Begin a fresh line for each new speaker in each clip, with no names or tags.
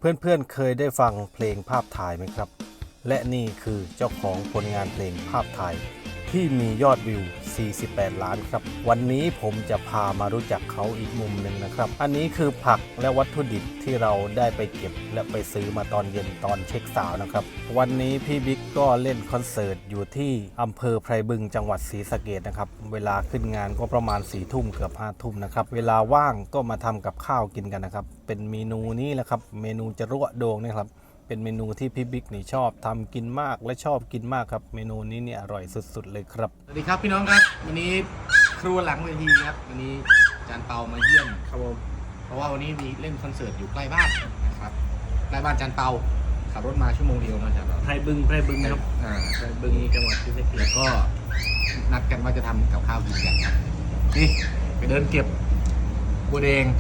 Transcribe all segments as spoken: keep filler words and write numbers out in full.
เพื่อนๆ เคยได้ฟังเพลงภาพถ่ายไหมครับและนี่คือเจ้าของผลงานเพลงภาพถ่ายที่มียอดวิวสี่สิบแปดล้านครับวันนี้ผมจะพามารู้จักเขาอีกมุมหนึ่งนะครับอันนี้คือผักและวัตถุดิบที่เราได้ไปเก็บและไปซื้อมาตอนเย็นตอนเช็คสาวนะครับวันนี้พี่บิ๊กก็เล่นคอนเสิร์ตอยู่ที่อำเภอไพรบึงจังหวัดศรีสะเกษนะครับเวลาขึ้นงานก็ประมาณสี่ทุ่มเกือบห้าทุ่มนะครับเวลาว่างก็มาทำกับข้าวกินกันนะครับเป็นเมนูนี้แหละครับเมนูจะรั่วโดงนี่ครับเป็นเมนูที่พี่บิ๊กนี่ชอบทำกินมากและชอบกินมากครับเมนูนี้เนี่ยอร่อยสุดๆเลยครับ
สวัสดีครับพี่น้องครับวันนี้ครัวหลังเวทีครับวันนี้อาจารย์เปามาเยี่ยมครับผมเพราะว่าวันนี้มีเล่นคอนเสิร์ตอยู่ใกล้บ้านนะครับใกล้บ้านอาจารย์เปาขับรถมาชั่วโมงเดียวนะอาจารย์เปา
ไพรบึงไพรบึงครับ
อ่า
ไพรบึงจังหวัดศรีสะเกษ
แล้วก็นัดกันว่าจะทำกับข้าวกินกันครับนี่ไปเดินเก็บบัวแดง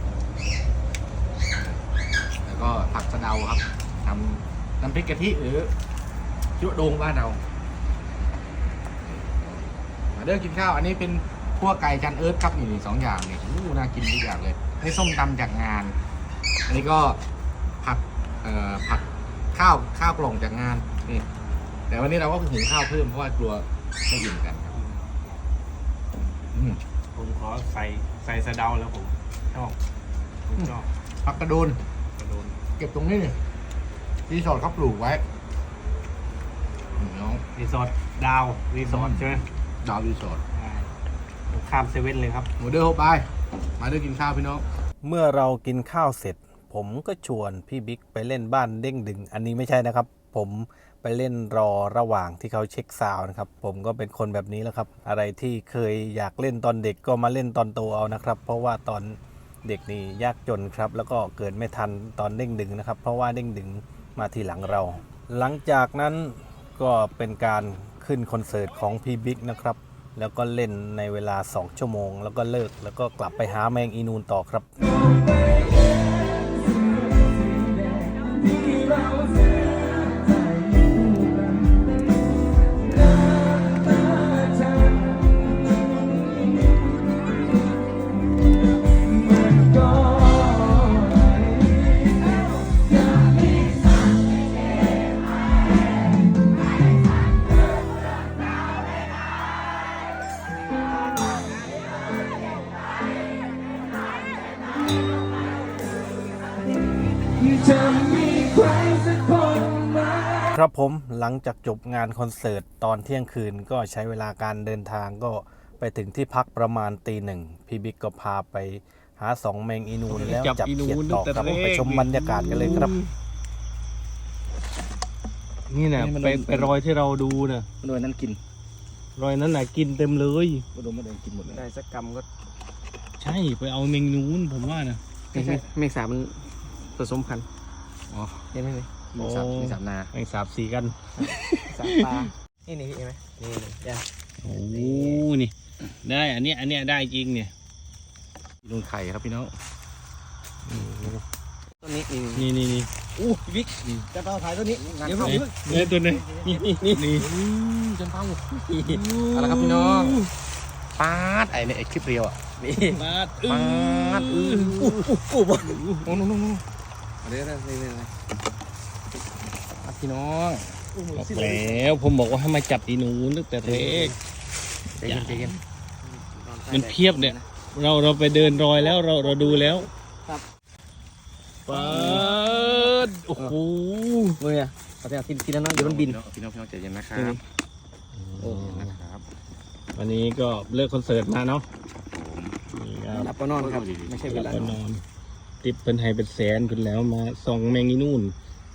แล้วก็ผักสะเดาครับทำน้ำพริกกะทิหรือชั่วโดงบ้านเรามาเดินกินข้าวอันนี้เป็นคั่วไก่จันเอิร์ธครับนี่สองอย่างนี่อู้น่ากินทุกอย่างเลยนี่ส้มตำจากงาน อันนี้ก็ผัดเอ่อผัดข้าวข้าวกล่องจากงานนี่แต่วันนี้เราก็หุงข้าวเพิ่มเพราะว่ากลัวไม่อิ่มกันครับอืม
ผมขอใส่ใส่สะเดาแล้วผมชอบผมชอบ
ผักกระโดน
กระโดน
เก็บตรงนี้นี่รีสอร์ทเขาปลูกไว้นี่น้อง
รีสอร์ทดาวรีสอร์ทใช่ไหม
ดาวรีสอร์ท
ใช่ข้ามเซเว่นเลยครับ
หมูเด้อโฮไปมาเด้อกินข้าวพี่น้อง
เมื่อเรากินข้าวเสร็จผมก็ชวนพี่บิ๊กไปเล่นบ้านเด้งดึงอันนี้ไม่ใช่นะครับผมไปเล่นรอระหว่างที่เขาเช็คซาวน์นะครับผมก็เป็นคนแบบนี้แหละครับอะไรที่เคยอยากเล่นตอนเด็กก็มาเล่นตอนโตเอานะครับเพราะว่าตอนเด็กนี่ยากจนครับแล้วก็เกิดไม่ทันตอนเด้งดึงนะครับเพราะว่าเด้งดึงมาทีหลังเรา หลังจากนั้นก็เป็นการขึ้นคอนเสิร์ตของพี่บิ๊กนะครับแล้วก็เล่นในเวลาสองชั่วโมงแล้วก็เลิกแล้วก็กลับไปหาแมงอีนูนต่อครับครับผมหลังจากจบงานคอนเสิร์ตตอนเที่ยงคืนก็ใช้เวลาการเดินทางก็ไปถึงที่พักประมาณตีหนึ่งพี่บิ๊กก็พาไปหาสองแมงอีนูนแล้วจับเขียดต่อครับไปชมบรรยากาศกันเลยครับ
นี่นะไปไปรอยที่เราดูนะ
โดยนั้นกิน
รอยนั้นน่ะกินเต็มเลย
มาดูมาเดินกินหมดเลย
ได้สักกรรมก็
ใช่ไปเอาเมงนูนผมว่านะ
ไม่ใช่เมฆสามันผสมพันธุ์
อ๋อ
เห็นไหมนี่
มีสับมีสับนา
แมงสาบสีกัน
สาปลานี่นี่เห็นไหมนี่นี่เดี๋ยว
โอ้นี่ได้อันเนี้ยอันเนี้ยได้จริงเนี่ย
ลุงไข่ครับพี่น้อง
ต้นนี้นี่
นี่นี่นี่
อู้บิ๊กจะเปาถ่ายต้นนี้เดี๋ยว
ไหน
เพิ่ง
เนี่ยตัวไหนนี่นี่นี่นี่
จนเป้าเอาละครับพี่น้องปาดไอ้เนี่ยไอ้คลิปเรียวอ่ะ
นี่
มาด
ปาดอือ
อู้อู้อู้บ่
โอ้โหโน้โน้
เดี๋ยวนะนี่นี่นี่
พี่น้อง
อู้มือ
บอก
สิ
แล้วผมบอกว่าให้มาจับอีนูนตั้งแต่เล็ก
ใจเย็นใจเย็น
มันเพียบเนี่ย เราเราไปเดินรอยแล้วเราเราดูแล้วเปิดโอ้โห
มืออ่ะเอาแต่ทีทีนั้นนะเดี๋ยวมันบิน
พี่น้องพี่น้องใจเย็นนะครับ
โอ้
นะครับ
วันนี้ก็เลิกคอนเสิร์ตมาเนาะนี่ค
ห
รั
ลั
บบ
ก็นอนครับไม่ใช่เวลา
ก็นอนติดเป็นไฮเป็นแสนคุณแล้วมาส่องแมงอีนู่น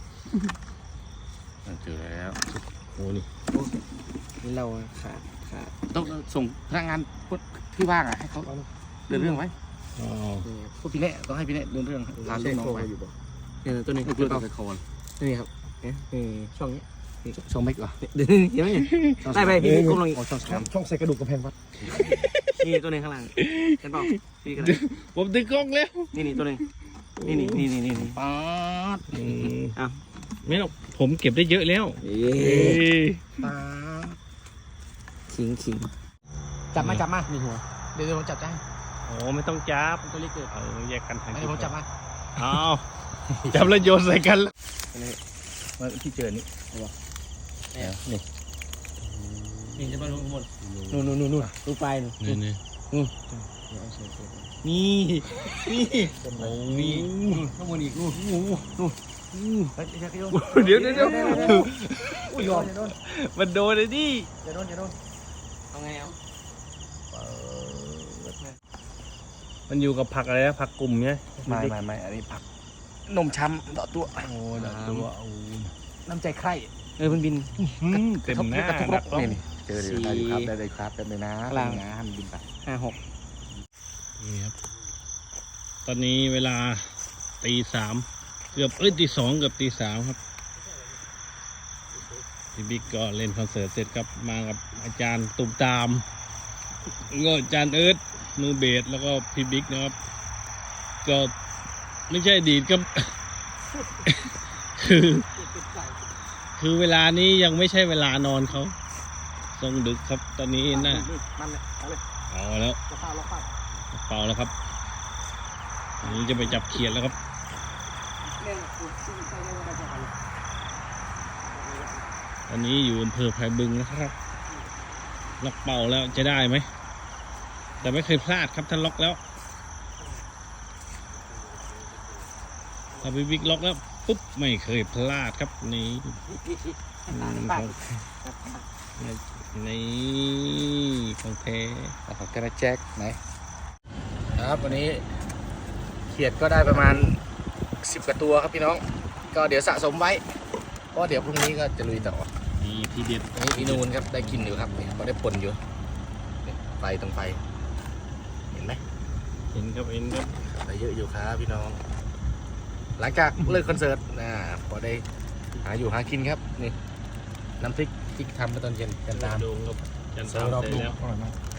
เจอแล้ว
โอ้นี่
นี่เราขาดขาด
ต้องส่งพนักงานที่ว่างอ่ะให้เขาเดินเรื่องไว้
อ๋อ
นี่
พวกพี่เน่ต้องให้พี่เน่เดินเรื่องพาลูกน้องไป
เนี่ยต้นนี้
ให้
คือ
เพื่อน
เปา
ไปโคน
นี่ครับนี่นี่ช่องนี้
ช่องเมกเหรอ
เดี๋ยวเห็นไหมเนี่ยได้ไปพี่ก้มลงอีก
อ๋อช่องสาม
ช่องใส่กระดูกกระเพงวัดนี่ตัวหนึงข้างล่างเห็นเปล่าพี่กัน
ผมดึงกล้องแล้ว
นี่นี่ตัวหนึงนี่นี่นี่นี่นี่
ป๊าด
อืม
อ้าว
ไม่หรอกผมเก็บได้เยอะแล้ว
เอ๊
เอ้ย
ป๊าด
ขิงขิง
จับมาจับมามีหัวเดี๋ยวผมจับได้
โอ้ไม่ต้องจับ
ตัวเล็กเกิด
เออแยกกันทาง
เดี๋ยวผมจับมา
อ้าวจับแล้วโยนใส่กันแล้ว
มาที่เจอนี่นี่
นี่จะมาลงข้างบน
นู่นนู่นนู่นนู่น
ดูปลายหนู
นี่นี่
นี่นี่
โอ้
นี่ข้างบนอีกนู่นนู่นนู่นเฮ้ยจะโยน
เดี๋ยวเดี๋ยวเดี๋ยว
อุ้ยโยนจะโดน
มันโดนเลยดิ
จะโดนจะโดนเอาไงเอา
มันอยู่กับผักอะไรนะผักกลุ่มไง
ไม่ไม่ไม่อันนี้ผักนมช้ำต่อตัว
โอ้ดักตัวโอ้
น้ำใจใคร
เออมันบิน
เต็มหน้าก
ระทุกร
ดั
ก
กแล้ว
นี่เจอเดี๋ยวได้อยู่ครับได้เลยครับได้เลยนะ
กลาง
นะให้มันบินไป
ห้าหก
นี่ครับ ตอนนี้เวลาตีสามเกือบเอ้ยตีสองเกือบตีสามครับพี่บิ๊กก็เล่นคอนเสิร์ตเสร็จครับมากับอาจารย์ตุ่มตามก็อาจารย์เอิร์ธมือเบสแล้วก็พี่บิ๊กนะครับ ก็ไม่ใช่ดีดก็ คือ คือเวลานี้ยังไม่ใช่เวลานอนเขาทรงดึกครับ ตอนนี้น่า
มันเลยเอาเลย
เอาแล้ว
ล็อกเป้าล็อกเป้า
เป่าแล้วครับอันนี้จะไปจับเขียดแล้วครับ
เล่นกูซื้อใส่เล่นอะไรจะเอาเลย
ตอนนี้อยู่อำเภอไผ่บึงนะครับล็อกเป่าแล้วจะได้ไหมแต่ไม่เคยพลาดครับถ้าล็อกแล้วถ้าพี่บิ๊กล็อกแล้วปุ๊บไม่เคยพลาดครับนี่อืมของนี่ของแท้
ขอบคุณนะแจ็คไหนครับวันนี้เขียดก็ได้ประมาณสิบกว่าตัวครับพี่น้อง ก็เดี๋ยวสะสมไว้เพราะเดี๋ยวพรุ่งนี้ก็จะลุยต่อ
นี่ทีเด็ด
อันนี้พี่นูนครับได้กินอยู่ครับเนี่ยเขาได้ปนอยู่เนี่ยไฟตรงไฟเห็นไหม
เห็นครับเห็นครับ
ได้เยอะอยู่ครับพี่น้อง หลังจากเลิกคอนเสิร์ตนะพอได้หาอยู่หากินครับนี่น้ำพริกที่ทำเมื่อตอนเย็นกันตาม
โดงครับจัน
ส
ท
อง
ร์
รอบ
เสร็จ
ลูก
แล้ว
อร่อยมาก